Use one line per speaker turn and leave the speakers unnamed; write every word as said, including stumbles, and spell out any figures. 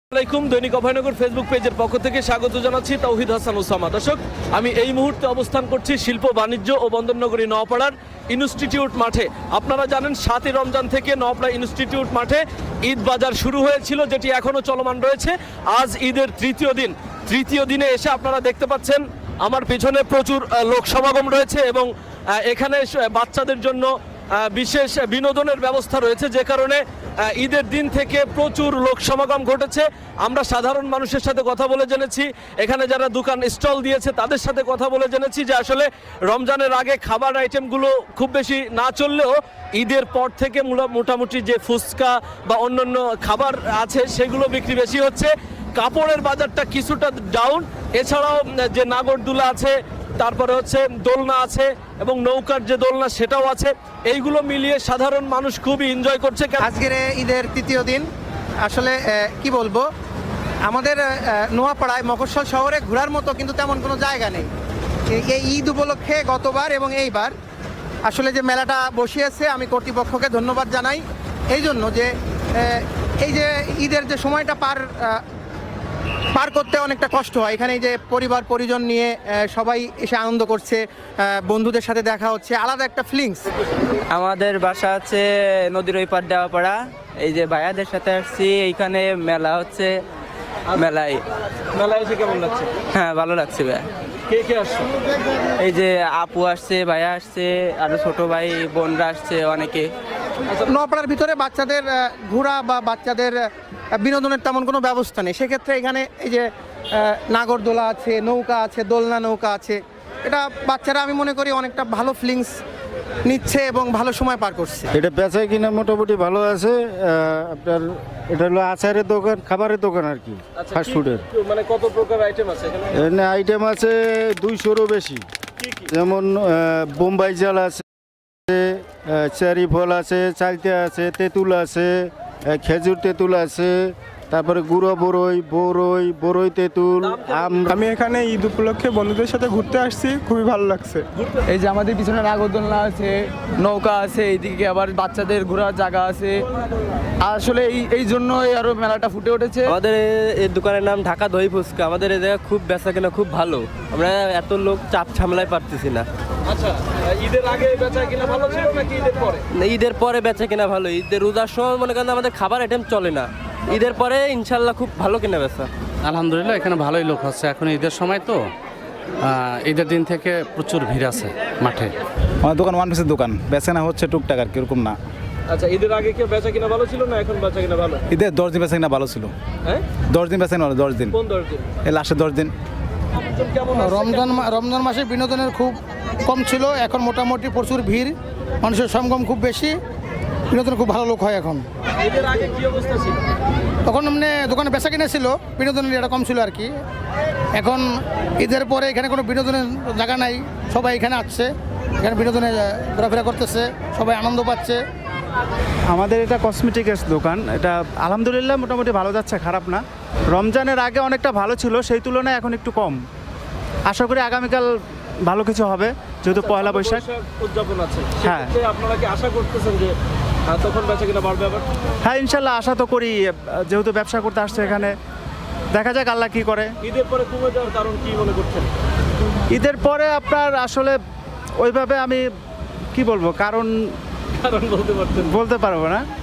আসসালামাইকুম। দৈনিক অভয়নগর ফেসবুক পেজের পক্ষ থেকে স্বাগত জানাচ্ছি তৌহিদ হাসান ওসামা। দর্শক, আমি এই মুহূর্তে অবস্থান করছি শিল্প বাণিজ্য ও বন্দরনগরী নওপাড়ার ইনস্টিটিউট মাঠে। আপনারা জানেন সাতই রমজান থেকে নওপাড়া ইনস্টিটিউট মাঠে ঈদ বাজার শুরু হয়েছিল, যেটি এখনও চলমান রয়েছে। আজ ঈদের তৃতীয় দিন। তৃতীয় দিনে এসে আপনারা দেখতে পাচ্ছেন আমার পিছনে প্রচুর লোক সমাগম রয়েছে এবং এখানে বাচ্চাদের জন্য বিশেষ বিনোদনের ব্যবস্থা রয়েছে, যে কারণে ঈদের দিন থেকে প্রচুর লোক সমাগম ঘটেছে। আমরা সাধারণ মানুষের সাথে কথা বলে জেনেছি, এখানে যারা দোকান স্টল দিয়েছে তাদের সাথে কথা বলে জেনেছি যে আসলে রমজানের আগে খাবার আইটেমগুলো খুব বেশি না চললেও ঈদের পর থেকে মোটামুটি যে ফুচকা বা অন্যান্য খাবার আছে সেগুলো বিক্রি বেশি হচ্ছে। কাপড়ের বাজারটা কিছুটা ডাউন। এছাড়াও যে নাগরদোলা আছে, তারপরে হচ্ছে দোলনা আছে এবং নৌকার যে দোলনা সেটাও আছে। এইগুলো মিলিয়ে সাধারণ মানুষ খুবই এনজয় করছে।
আজকের ঈদের তৃতীয় দিন। আসলে কি বলবো, আমাদের নোয়াপাড়ায় মফস্বল শহরে ঘোরার মতো কিন্তু তেমন কোনো জায়গা নেই। এই ঈদ উপলক্ষে গতবার এবং এইবার আসলে যে মেলাটা বসিয়েছে, আমি কর্তৃপক্ষকে ধন্যবাদ জানাই এই জন্য যে এই যে ঈদের যে সময়টা পার পার করতে অনেকটা কষ্ট হয়। এখানে যে পরিবার পরিজন নিয়ে সবাই এসে আনন্দ করছে, বন্ধুদের সাথে দেখা হচ্ছে, আলাদা একটা ফিলিংস।
আমাদের বাসা হচ্ছে নদীর ওই পার দেওয়াপাড়া। এই যে ভাইয়াদের সাথে আসছি, এইখানে মেলা হচ্ছে। মেলায়
মেলায় এসে কেমন লাগছে?
হ্যাঁ, ভালো লাগছে ভাইয়া।
কে কে আসছে?
এই যে আপু আসছে, ভাইয়া আসছে, আরো ছোট ভাই বোনরা আসছে অনেকে।
নওপাড়ার ভিতরে বাচ্চাদের ঘোরা বা বাচ্চাদের বিনোদনের তেমন কোনো ব্যবস্থা নেই। সেক্ষেত্রে এখানে এই যে নাগরদোলা আছে, নৌকা আছে, দোলনা নৌকা আছে, এটা বাচ্চারা আমি মনে করি অনেকটা ভালো ফিলিংস নিচ্ছে এবং ভালো সময় পার করছে।
এটা বেচা কিনা মোটামুটি ভালো আছে। আপনার এটা হলো আচারের দোকান, খাবারের দোকান আর কি, ফাস্ট ফুডের।
মানে কত প্রকার আইটেম আছে এখানে?
এখানে আইটেম আছে দুইশোরও বেশি। যেমন বোম্বাই জাল আছে, চেরি ফল আছে, চালতে আছে, তেঁতুল আছে, খেজুর তেঁতুল আছে, তারপরে গুঁড়ো বরই, বরই বরই তেঁতুল, আম।
আমি এখানে ঈদ উপলক্ষে বন্ধুদের সাথে ঘুরতে আসছি, খুবই ভালো লাগছে।
এই যে আমাদের পিছনে নাগরদোলনা আছে, নৌকা আছে, এইদিকে আবার বাচ্চাদের ঘোরার জায়গা আছে। আসলে এই এই জন্যই আরো মেলাটা ফুটে উঠেছে।
আমাদের এই দোকানের নাম ঢাকা দই ফুচকা। আমাদের এই জায়গা খুব বেচা কেনা খুব ভালো। আমরা এত লোক চাপ সামলায় পারতেছি না।
আচ্ছা, ঈদের আগে বেচা কিনা ভালো ছিল নাকি ঈদের পরে?
ঈদের পরে বেচা কেনা ভালো। ঈদের রোজার সময় মনে করেন আমাদের খাবার আইটেম চলে না। ঈদের পরে ইনশাল্লাহ খুব ভালো কেনা বেচা।
আলহামদুলিল্লাহ, এখানে ভালোই লোক হচ্ছে। এখন ঈদের সময় তো, ঈদের দিন থেকে প্রচুর ভিড় আছে মাঠে।
আমার দোকান ওয়ান পিসের দোকান, বেচা হচ্ছে টুকটাক আর কিরকম না।
আচ্ছা, ঈদের আগে কি বেচা কিনা ভালো ছিল না এখন বেচা কিনা ভালো?
ঈদের দশ দিন বেচা কিনা ভালো ছিল।
হ্যাঁ,
দশ দিন বেচা কিনা ভালো। দশ দিন
কোন দশ দিন?
এই লাস্টের দশ দিন।
রমজান রমজান মাসে বিনোদনের খুব কম ছিল, এখন মোটামুটি প্রচুর ভিড়, মানুষের সমাগম খুব বেশি, বিনোদন খুব ভালো লোক হয় এখন।
ঈদের আগে কি অবস্থা ছিল?
তখন মানে দোকানে বেচা কিনা ছিল, বিনোদনের এটা কম ছিল আর কি। এখন ঈদের পরে এখানে কোনো বিনোদনের জায়গা নাই, সবাই এখানে আসছে, এখানে বিনোদনে ঘোরাফেরা করতেছে, সবাই আনন্দ পাচ্ছে।
আমাদের এটা কসমেটিক্স দোকান। এটা আলহামদুলিল্লাহ মোটামুটি ভালো যাচ্ছে, খারাপ না। রমজানের আগে অনেকটা ভালো ছিল, সেই তুলনায় এখন একটু কম। আশা করি আগামীকাল ভালো কিছু হবে, যেহেতু পয়লা বৈশাখ
উদযাপন আছে।
হ্যাঁ,
আপনারা কি আশা করতেছেন যে তখন বেচা কিনা বাড়বে আবার?
হ্যাঁ, ইনশাল্লাহ আশা তো করি, যেহেতু ব্যবসা করতে আসছে এখানে। দেখা যাক আল্লাহ কি করে।
ঈদের পরে কমে যাওয়ার কারণ কি মনে করছেন?
ঈদের পরে আপনার আসলে ওইভাবে আমি কি বলবো, কারণ
কারণ বলতে পারছেন?
বলতে পারবো না।